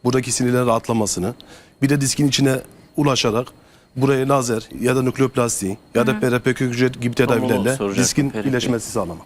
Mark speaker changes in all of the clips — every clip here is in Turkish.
Speaker 1: buradaki sinirlerin rahatlamasını, bir de diskin içine ulaşarak buraya lazer ya da nükleoplasti ya da PRP kök hücre gibi tedavilerle diskin iyileşmesi sağlamak.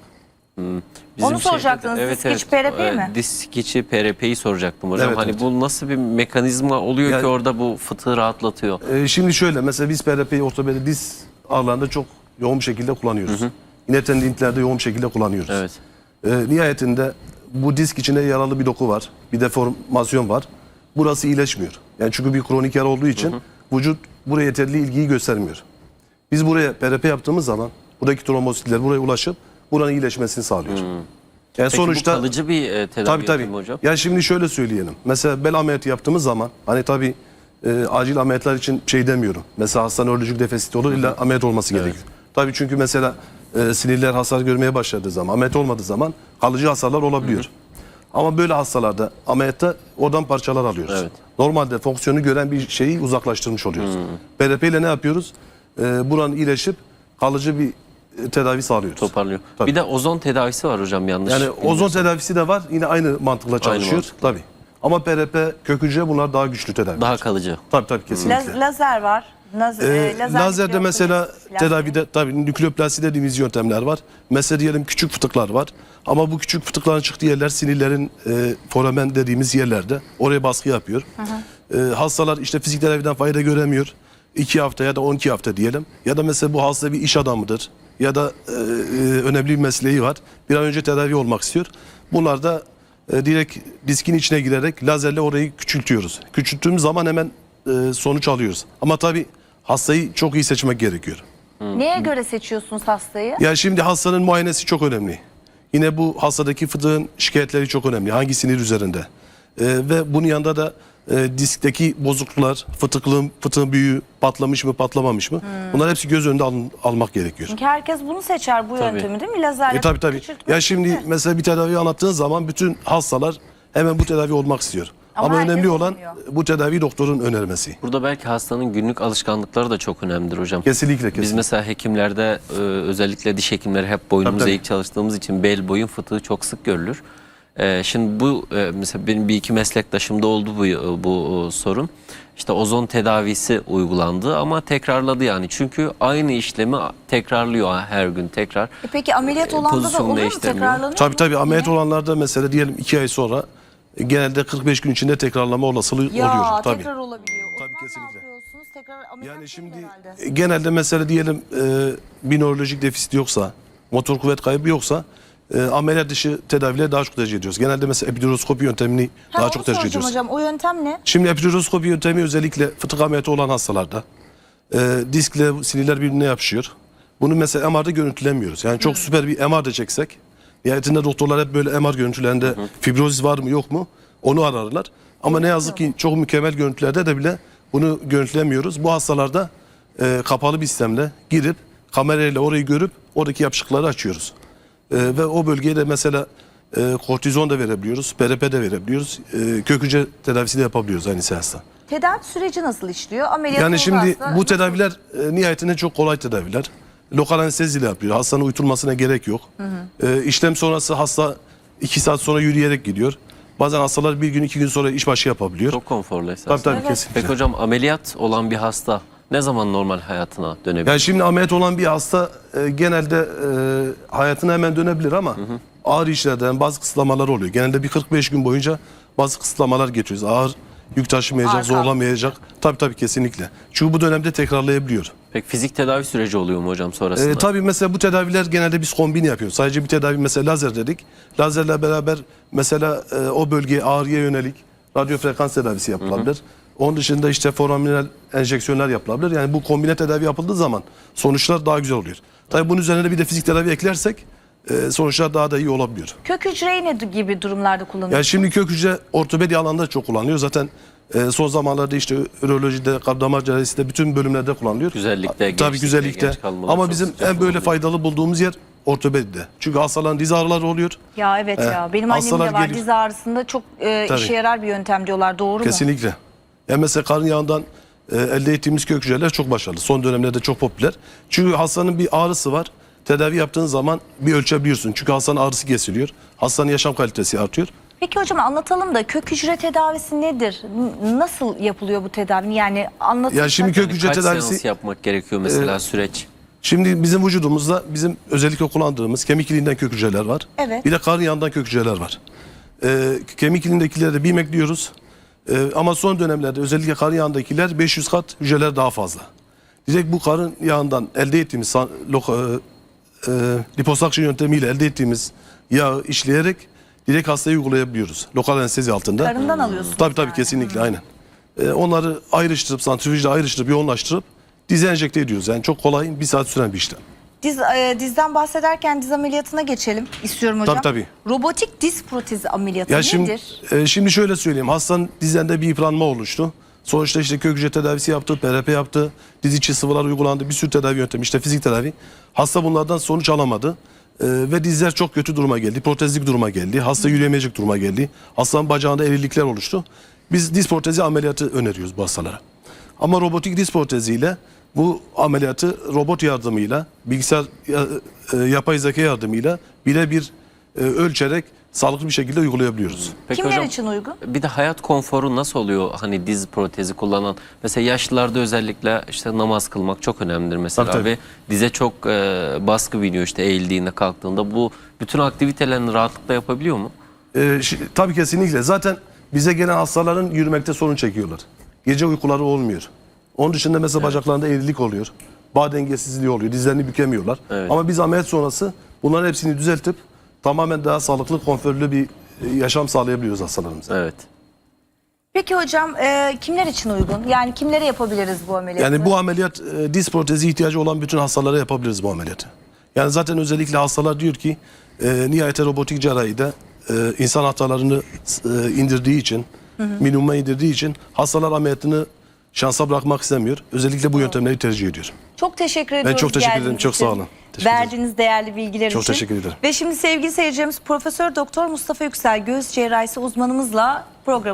Speaker 2: Onu soracaktınız.
Speaker 3: Evet,
Speaker 2: disk içi PRP mi?
Speaker 3: Disk içi PRP'yi soracaktım hocam.
Speaker 1: Evet,
Speaker 3: hani
Speaker 1: evet.
Speaker 3: bu nasıl bir mekanizma oluyor
Speaker 1: Yani,
Speaker 3: ki orada bu fıtığı rahatlatıyor?
Speaker 1: Şimdi şöyle, mesela biz PRP'yi ortopedi diz ağlarında çok yoğun bir şekilde kullanıyoruz. Yine tendinitlerde yoğun bir şekilde kullanıyoruz.
Speaker 3: Evet.
Speaker 1: Nihayetinde bu disk içinde yaralı bir doku var. Bir deformasyon var. Burası iyileşmiyor. Yani çünkü bir kronik yara olduğu için vücut buraya yeterli ilgiyi göstermiyor. Biz buraya PRP yaptığımız zaman buradaki trombositler buraya ulaşıp buranın iyileşmesini sağlıyor. Yani
Speaker 3: Peki
Speaker 1: sonuçta
Speaker 3: bu kalıcı bir tedavi yöntemi hocam?
Speaker 1: Ya şimdi şöyle söyleyelim. Mesela bel ameliyatı yaptığımız zaman hani tabii acil ameliyatlar için şey demiyorum. Mesela hasta nörolojik defisiti olur, illa ameliyat olması gerekiyor. Tabii çünkü mesela sinirler hasar görmeye başladığı zaman, ameliyat olmadığı zaman kalıcı hasarlar olabiliyor. Ama böyle hastalarda ameliyatta oradan parçalar alıyoruz.
Speaker 3: Evet.
Speaker 1: Normalde fonksiyonu gören bir şeyi uzaklaştırmış oluyoruz. PRP ile ne yapıyoruz? Buranın iyileşip kalıcı bir tedavi sağlıyoruz.
Speaker 3: Toparlıyor.
Speaker 1: Tabii.
Speaker 3: Bir de ozon tedavisi var hocam, yanlış.
Speaker 1: Yani ozon tedavisi de var. Yine aynı mantıkla çalışıyor.
Speaker 3: mantıkla.
Speaker 1: Tabii. Ama PRP, kök hücre bunlar daha güçlü tedavi.
Speaker 3: Daha kalıcı.
Speaker 1: Tabii kesinlikle.
Speaker 2: Lazer var.
Speaker 1: Lazerde mesela
Speaker 2: nükleoplasti.
Speaker 1: tedavide tabii nükleoplasti dediğimiz yöntemler var. Mesela diyelim küçük fıtıklar var. Ama bu küçük fıtıkların çıktığı yerler sinirlerin foramen dediğimiz yerlerde. Oraya baskı yapıyor. Hastalar işte fizik tedaviden fayda göremiyor. 2 hafta ya da 12 hafta diyelim. Ya da mesela bu hasta bir iş adamıdır. Ya da önemli bir mesleği var. Bir an önce tedavi olmak istiyor. Bunlar da direkt diskin içine girerek lazerle orayı küçültüyoruz. Küçülttüğümüz zaman hemen sonuç alıyoruz. Ama tabii hastayı çok iyi seçmek gerekiyor.
Speaker 2: Neye göre seçiyorsunuz hastayı?
Speaker 1: Ya şimdi hastanın muayenesi çok önemli. Yine bu hastadaki fıtığın şikayetleri çok önemli. Hangi sinir üzerinde? Ve bunun yanında da diskteki bozukluklar, fıtığın büyüğü patlamış mı patlamamış mı? Bunlar hepsi göz önünde almak gerekiyor.
Speaker 2: Çünkü herkes bunu seçer, bu yöntemi değil mi? Lazerle
Speaker 1: Tabii.
Speaker 2: küçültmek
Speaker 1: Ya şimdi
Speaker 2: değil mi?
Speaker 1: mesela bir tedavi anlattığın zaman bütün hastalar hemen bu tedavi olmak istiyor. Ama
Speaker 2: herkes
Speaker 1: önemli olan
Speaker 2: olmuyor.
Speaker 1: bu tedavi doktorun önermesi.
Speaker 3: Burada belki hastanın günlük alışkanlıkları da çok önemlidir hocam.
Speaker 1: Kesinlikle.
Speaker 3: Biz mesela hekimlerde özellikle diş hekimleri hep boynumuz
Speaker 1: Tabii.
Speaker 3: eğik çalıştığımız için bel boyun fıtığı çok sık görülür. Şimdi bu mesela benim bir iki meslektaşımda oldu bu sorun. İşte ozon tedavisi uygulandı ama tekrarladı yani. Çünkü aynı işlemi tekrarlıyor her gün tekrar.
Speaker 2: Peki ameliyat olanda da
Speaker 3: pozisyonu
Speaker 2: olur mu?
Speaker 3: değiştirmiyor.
Speaker 2: Tekrarlanıyor mu?
Speaker 1: Tabii ameliyat
Speaker 2: Yine?
Speaker 1: olanlarda mesela diyelim 2 ay sonra genelde 45 gün içinde tekrarlama olasılığı
Speaker 2: Ya
Speaker 1: oluyor. Tabii.
Speaker 2: tekrar olabiliyor. O
Speaker 1: Tabii,
Speaker 2: zaman
Speaker 1: kesinlikle.
Speaker 2: ne yapıyorsunuz? Tekrar ameliyat
Speaker 1: Yani
Speaker 2: değil
Speaker 1: şimdi
Speaker 2: herhalde.
Speaker 1: genelde mesela diyelim bir nörolojik defisit yoksa, motor kuvvet kaybı yoksa ameliyat dışı tedavileri daha çok tercih ediyoruz. Genelde mesela epiduroskopi yöntemini daha
Speaker 2: onu
Speaker 1: çok tercih
Speaker 2: soracağım
Speaker 1: ediyoruz.
Speaker 2: hocam. O yöntem ne?
Speaker 1: Şimdi epiduroskopi yöntemi özellikle fıtık ameliyatı olan hastalarda diskle sinirler birbirine yapışıyor. Bunu mesela MR'da görüntülemiyoruz. Yani çok süper bir MR da çeksek, nihayetinde doktorlar hep böyle MR görüntülerinde fibrozis var mı yok mu onu ararlar. Ama ne yazık ki çok mükemmel görüntülerde de bile bunu görüntülemiyoruz. Bu hastalarda kapalı bir sistemle girip kamerayla orayı görüp oradaki yapışıkları açıyoruz. Ve o bölgeye de mesela kortizon da verebiliyoruz, PRP de verebiliyoruz, kök hücre tedavisi de yapabiliyoruz aynı seansta.
Speaker 2: Tedavi süreci nasıl işliyor? Ameliyat
Speaker 1: Yani şimdi
Speaker 2: olmazsa
Speaker 1: bu
Speaker 2: nasıl?
Speaker 1: tedaviler nihayetinde çok kolay tedaviler. Lokal anesteziyle yapıyor. Hastanın uyutulmasına gerek yok. İşlem sonrası hasta 2 saat sonra yürüyerek gidiyor. Bazen hastalar 1 gün 2 gün sonra işbaşı yapabiliyor.
Speaker 3: Çok konforlu esasında.
Speaker 1: Tabii
Speaker 2: Evet.
Speaker 1: kesinlikle.
Speaker 3: Peki hocam, ameliyat olan bir hasta ne zaman normal hayatına dönebilir?
Speaker 1: Yani şimdi ameliyat olan bir hasta genelde hayatına hemen dönebilir ama ağır işlerden bazı kısıtlamalar oluyor. Genelde bir 45 gün boyunca bazı kısıtlamalar geçiyoruz. Ağır yük taşımayacak,
Speaker 2: Ağır
Speaker 1: zorlamayacak. Tabii kesinlikle. Çünkü bu dönemde tekrarlayabiliyor.
Speaker 3: Peki fizik tedavi süreci oluyor mu hocam sonrasında?
Speaker 1: Tabii mesela bu tedaviler genelde biz kombin yapıyoruz. Sadece bir tedavi mesela lazer dedik. Lazerle beraber mesela o bölgeye ağrıya yönelik radyo frekans tedavisi yapılabilir. Onun dışında işte foraminal enjeksiyonlar yapılabilir. Yani bu kombine tedavi yapıldığı zaman sonuçlar daha güzel oluyor. Tabii bunun üzerine bir de fizik tedavi eklersek sonuçlar daha da iyi olabiliyor.
Speaker 2: Kök hücreyi ne gibi durumlarda kullanıyorsunuz?
Speaker 1: Yani şimdi kök hücre ortopedi alanında çok kullanılıyor. Zaten son zamanlarda işte ürolojide, kalp damar cerrahisinde bütün bölümlerde kullanılıyor.
Speaker 3: Güzellikte,
Speaker 1: Tabii
Speaker 3: gençlikte,
Speaker 1: güzellikte.
Speaker 3: genç kalmalar
Speaker 1: Ama
Speaker 3: çok
Speaker 1: bizim
Speaker 3: sıcak
Speaker 1: en böyle
Speaker 3: oluyor.
Speaker 1: faydalı bulduğumuz yer ortopedide. Çünkü hastaların diz ağrıları oluyor.
Speaker 2: Ya evet ya. Benim annemin
Speaker 1: hastalar
Speaker 2: de var.
Speaker 1: geliyor.
Speaker 2: Diz ağrısında çok işe yarar bir yöntem diyorlar. Doğru mu?
Speaker 1: Kesinlikle. Yani mesela karın yağından elde ettiğimiz kök hücreler çok başarılı. Son dönemlerde çok popüler. Çünkü hastanın bir ağrısı var. Tedavi yaptığın zaman bir ölçebiliyorsun. Çünkü hastanın ağrısı kesiliyor. Hastanın yaşam kalitesi artıyor.
Speaker 2: Peki hocam anlatalım da kök hücre tedavisi nedir? Nasıl yapılıyor bu tedavi? Yani anlatırsak.
Speaker 1: Ya şimdi kök hücre
Speaker 3: Kaç
Speaker 1: tedavisi
Speaker 3: seans yapmak gerekiyor mesela süreç?
Speaker 1: şimdi bizim vücudumuzda bizim özellikle kullandığımız kemik iliğinden kök hücreler var.
Speaker 2: Evet.
Speaker 1: Bir de karın yağından kök hücreler var. Kemik iliğindekileri de BİM ekliyoruz. Ama son dönemlerde özellikle karın yağındakiler 500 kat hücreler daha fazla. Direkt bu karın yağından elde ettiğimiz liposakşın yöntemiyle elde ettiğimiz yağı işleyerek direkt hastaya uygulayabiliyoruz. Lokal anestezi altında.
Speaker 2: Karından alıyorsunuz.
Speaker 1: Tabii
Speaker 2: yani.
Speaker 1: kesinlikle aynen. Onları ayrıştırıp santrifüjle ayrıştırıp yoğunlaştırıp dize enjekte ediyoruz. Yani çok kolay, bir saat süren bir işlem.
Speaker 2: Dizden bahsederken diz ameliyatına geçelim istiyorum hocam.
Speaker 1: Tabii.
Speaker 2: Robotik diz protezi ameliyatı
Speaker 1: Ya
Speaker 2: nedir?
Speaker 1: şimdi şöyle söyleyeyim. Hastanın dizlerinde bir yıpranma oluştu. Sonuçta işte kök hücre tedavisi yaptı, PRP yaptı, diz içi sıvılar uygulandı, bir sürü tedavi yöntemi, işte fizik tedavi. Hasta bunlardan sonuç alamadı. Ve dizler çok kötü duruma geldi, protezlik duruma geldi, hasta yürüyemeyecek duruma geldi. Hastanın bacağında eğrilikler oluştu. Biz diz protezi ameliyatı öneriyoruz bu hastalara. Ama robotik diz proteziyle bu ameliyatı robot yardımıyla, bilgisayar yapay zeka yardımıyla birebir ölçerek sağlıklı bir şekilde uygulayabiliyoruz.
Speaker 3: Peki
Speaker 2: Kimler
Speaker 3: hocam,
Speaker 2: için uygun?
Speaker 3: bir de hayat konforu nasıl oluyor hani diz protezi kullanan? Mesela yaşlılarda özellikle işte namaz kılmak çok önemlidir mesela
Speaker 1: Tabii.
Speaker 3: ve dize çok baskı biniyor işte eğildiğinde kalktığında. Bu bütün aktivitelerini rahatlıkla yapabiliyor mu?
Speaker 1: Tabii kesinlikle. Zaten bize gelen hastaların yürümekte sorun çekiyorlar. Gece uykuları olmuyor. Onun dışında mesela bacaklarında eğrilik oluyor. Bağ dengesizliği oluyor. Dizlerini bükemiyorlar.
Speaker 3: Evet.
Speaker 1: Ama biz ameliyat sonrası bunların hepsini düzeltip tamamen daha sağlıklı, konforlu bir yaşam sağlayabiliyoruz hastalarımıza.
Speaker 3: Evet.
Speaker 2: Peki hocam kimler için uygun? Yani kimlere yapabiliriz bu ameliyatı?
Speaker 1: Yani bu ameliyat diz protezi ihtiyacı olan bütün hastalara yapabiliriz bu ameliyatı. Yani zaten özellikle hastalar diyor ki nihayete robotik cerrahide insan hatalarını indirdiği için, minimuma indirdiği için hastalar ameliyatını şansa bırakmak istemiyor. Özellikle bu yöntemleri tercih ediyor.
Speaker 2: Çok teşekkür ediyoruz.
Speaker 1: çok teşekkür ederim.
Speaker 2: geldiğiniz
Speaker 1: Çok
Speaker 2: için.
Speaker 1: sağ olun. Teşekkür ederim.
Speaker 2: Verdiğiniz değerli bilgiler
Speaker 1: Çok
Speaker 2: için.
Speaker 1: teşekkür ederim.
Speaker 2: Ve şimdi sevgili seyircilerimiz Profesör Doktor Mustafa Yüksel göğüs cerrahisi uzmanımızla program